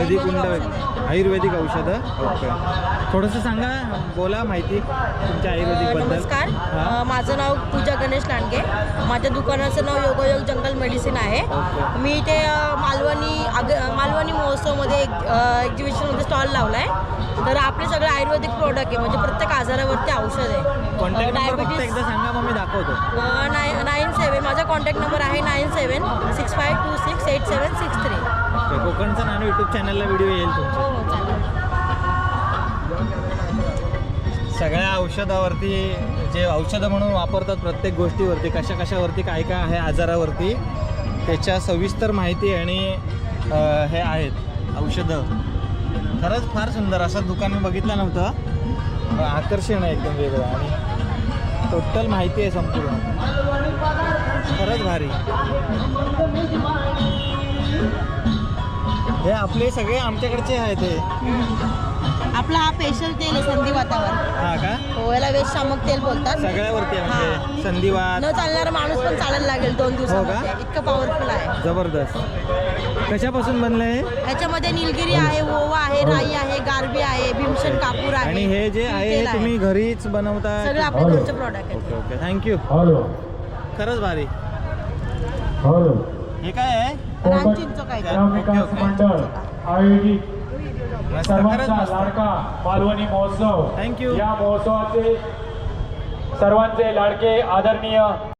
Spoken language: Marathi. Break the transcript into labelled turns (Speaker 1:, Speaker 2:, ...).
Speaker 1: आयुर्वेदिक औषधं. ओके, थोडंसं सांगा, बोला माहिती तुमच्या आयुर्वेदिकबद्दल.
Speaker 2: नमस्कार, माझं नाव पूजा गणेश लांडगे. माझ्या दुकानाचं नाव योगायोग जंगल मेडिसिन आहे. मी इथे मालवणी महोत्सवमध्ये एक्झिबिशनमध्ये स्टॉल लावला आहे. तर आपले सगळे आयुर्वेदिक प्रोडक्ट आहे, म्हणजे प्रत्येक आजारावरती औषध आहे.
Speaker 1: कॉन्टॅक्ट नंबर फक्त एकदा सांगा, मग मी दाखवतो.
Speaker 2: 97 माझा कॉन्टॅक्ट नंबर आहे 9765268763.
Speaker 1: ओके, कोकणचा नानू यूट्यूब चॅनलला व्हिडिओ येईल तुमचा.
Speaker 2: हो चालेल.
Speaker 1: सगळ्या औषधावरती, जे औषधं म्हणून वापरतात प्रत्येक गोष्टीवरती, कशावरती काय काय आहे आजारावरती, त्याच्या सविस्तर माहिती आणि हे आहेत औषधं. खरंच फार सुंदर असं दुकान मी बघितलं नव्हतं. आकर्षण आहे एकदम वेगळं आणि टोटल माहिती आहे संपूर्ण. खरंच भारी. हे आपले सगळे आमच्याकडचे आहेत. हे
Speaker 2: आपला हा स्पेशल तेल आहे संधिवातावर.
Speaker 1: हा का?
Speaker 2: हो, याला वेश शामक तेल बोलतात.
Speaker 1: सगळ्यावरती आहे म्हणजे संधिवात.
Speaker 2: न चालणारा माणूस पण चालायला लागेल 2 दिवसामध्ये. इतकं पॉवरफुल आहे.
Speaker 1: जबरदस्त. कशापासून बनलं आहे?
Speaker 2: ह्याच्यामध्ये निलगिरी आहे, ओवा आहे, राई आहे, गारबी आहे, भीमसेन कापूर आहे.
Speaker 1: आणि हे जे आहे हे तुम्ही घरीच बनवता?
Speaker 2: सगळे आपले घरचे प्रॉडक्ट आहेत.
Speaker 1: Okay okay, thank you. खरंच भारी. हे काय आहे?
Speaker 2: रामचिंच काय
Speaker 3: सर्वांचा लाडका मालवणी महोत्सव.
Speaker 1: थँक्यू.
Speaker 3: या महोत्सवाचे सर्वांचे लाडके आदरणीय